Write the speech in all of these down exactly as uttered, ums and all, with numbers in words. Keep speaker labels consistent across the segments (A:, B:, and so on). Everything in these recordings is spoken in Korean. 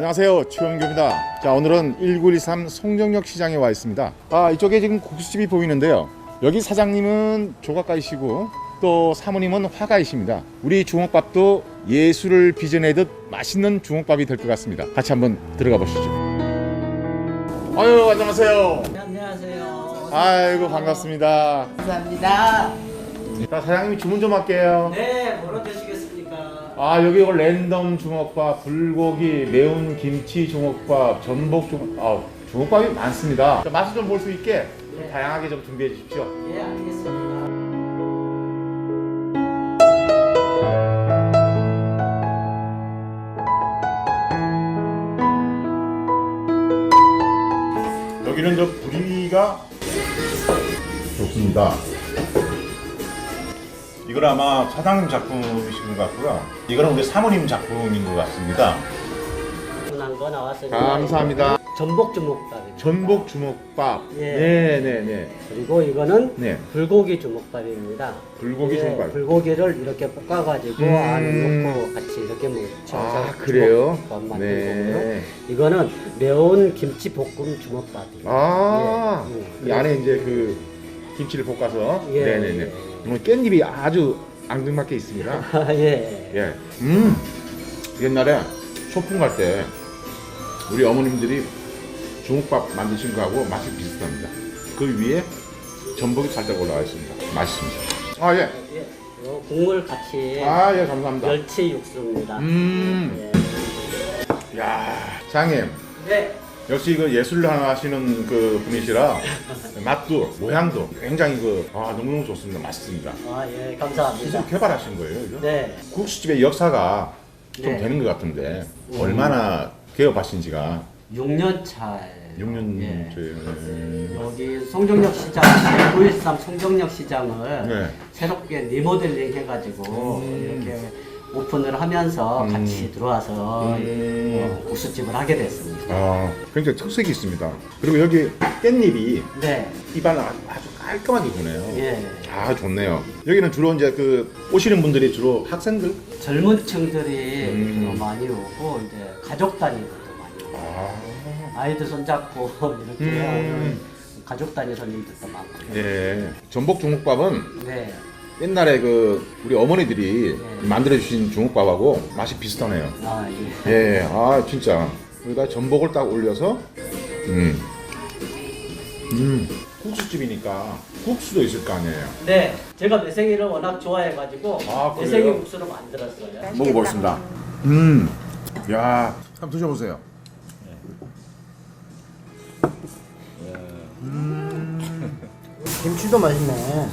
A: 안녕하세요, 최원규입니다. 자, 오늘은 일구일삼 송정역 시장에 와 있습니다. 아, 이쪽에 지금 국수집이 보이는데요. 여기 사장님은 조각가이시고 또 사모님은 화가이십니다. 우리 주먹밥도 예술을 빚어내듯 맛있는 주먹밥이 될 것 같습니다. 같이 한번 들어가 보시죠. 아유, 안녕하세요.
B: 네, 안녕하세요.
A: 아이고, 반갑습니다.
C: 감사합니다.
A: 자, 사장님이 주문 좀 할게요.
B: 네, 뭐로 드시겠습니까?
A: 아, 여기 이거 랜덤 주먹밥, 불고기, 매운 김치 주먹밥, 전복 주먹, 아, 주먹밥이 많습니다. 자, 맛을 좀 볼 수 있게 좀
B: 네.
A: 다양하게 좀 준비해 주십시오.
B: 예, 알겠습니다.
A: 여기는 저 부리가 좋습니다. 이건 아마 사장님 작품이신 것 같고요. 이거는 우리 사모님 작품인 것 같습니다.
B: 흔한 거 나왔으니까.
A: 감사합니다.
B: 전복 주먹밥입니다.
A: 전복 주먹밥.
B: 예.
A: 네네네.
B: 그리고 이거는
A: 네.
B: 불고기 주먹밥입니다.
A: 불고기
B: 예,
A: 주먹밥.
B: 불고기를 이렇게 볶아가지고
A: 음.
B: 안에 넣고 같이 이렇게 묻혀서
A: 아, 그래요?
B: 주먹밥 만든
A: 네.
B: 거고요. 이거는 매운 김치 볶음 주먹밥이에요.
A: 아,
B: 예. 음.
A: 이 안에 이제 그 김치를 볶아서.
B: 예.
A: 네네네. 오늘 깻잎이 아주 앙증맞게 있습니다.
B: 아, 예.
A: 예. 음. 옛날에 소풍 갈 때 우리 어머님들이 주먹밥 만드신 거하고 맛이 비슷합니다. 그 위에 전복이 살짝 올라와 있습니다. 맛있습니다. 아, 예.
B: 예. 요 국물 같이
A: 아, 예, 감사합니다.
B: 멸치 육수입니다.
A: 음.
B: 예.
A: 야, 장님.
B: 네.
A: 역시 그 예술을 하시는 그 분이시라 맛도 모양도 굉장히 그 아, 너무너무 좋습니다. 맛있습니다.
B: 아, 예,
A: 스스로
B: 감사합니다.
A: 개발하신 거예요, 이거?
B: 네.
A: 국수집의 역사가 좀
B: 네.
A: 되는 것 같은데
B: 음.
A: 얼마나 개업하신 지가
B: 육 년 차.
A: 육 년
B: 예.
A: 째.
B: 여기 송정역 시장, 구일삼 송정역 시장을
A: 네.
B: 새롭게 리모델링 해가지고
A: 음.
B: 이렇게 오픈을 하면서
A: 음.
B: 같이 들어와서
A: 음.
B: 어, 국수집을 하게 됐습니다.
A: 아, 굉장히 특색이 있습니다. 그리고 여기 깻잎이
B: 네.
A: 입안을 아주, 아주 깔끔하게 주네요.
B: 예.
A: 아, 좋네요. 여기는 주로 이제 그 오시는 분들이 주로 학생들?
B: 젊은 층들이
A: 음.
B: 주로 많이 오고 이제 가족 단위로도 많이 오고
A: 아,
B: 아이들 손잡고 이렇게
A: 음.
B: 오는 가족 단위 손님들도 많고요.
A: 예. 전복 주먹밥은
B: 네.
A: 옛날에 그 우리 어머니들이
B: 네.
A: 만들어 주신 주먹밥하고 맛이 비슷하네요.
B: 아, 예.
A: 예, 아 진짜 여기다 전복을 딱 올려서 음, 음, 국수집이니까 국수도 있을 거 아니에요.
B: 네, 제가 매생이를 워낙 좋아해가지고
A: 아, 그래요?
B: 매생이 국수를 만들었어요.
A: 먹어보겠습니다. 음, 야, 한번 드셔보세요.
C: 김치도 맛있네.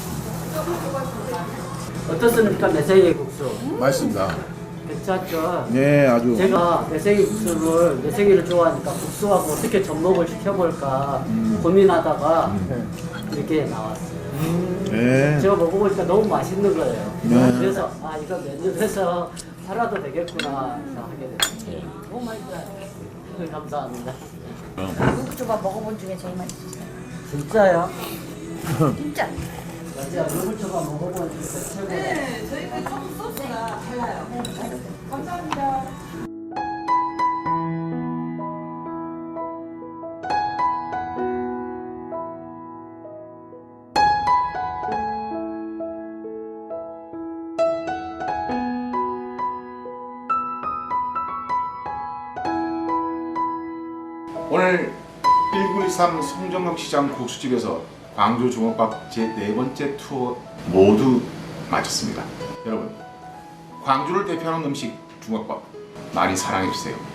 B: 어떻습니까, 매생이 국수?
A: 맛있습니다.
B: 괜찮죠?
A: 네, 아주.
B: 제가 매생이 국수를 매생이를 좋아하니까 국수하고 어떻게 접목을 시켜볼까 고민하다가 이렇게 나왔어요.
A: 네.
B: 제가 먹어보니까 너무 맛있는 거예요.
A: 네.
B: 그래서 아 이거 메뉴에서 팔아도 되겠구나 해서 하게 됐어요.
C: 너무 맛있어요.
B: 감사합니다.
C: 육수밥 먹어본 중에 제일 맛있었어요.
B: 진짜요?
C: 진짜.
B: 제가 물초밥 먹어보니까 최고예요.
D: 네, 저희가 청 소스가 달라요. 감사합니다.
A: 오늘 일구일삼 송정역 시장 국수집에서 광주 주먹밥 제 네 번째 투어 모두 마쳤습니다. 여러분, 광주를 대표하는 음식 주먹밥 많이 사랑해 주세요.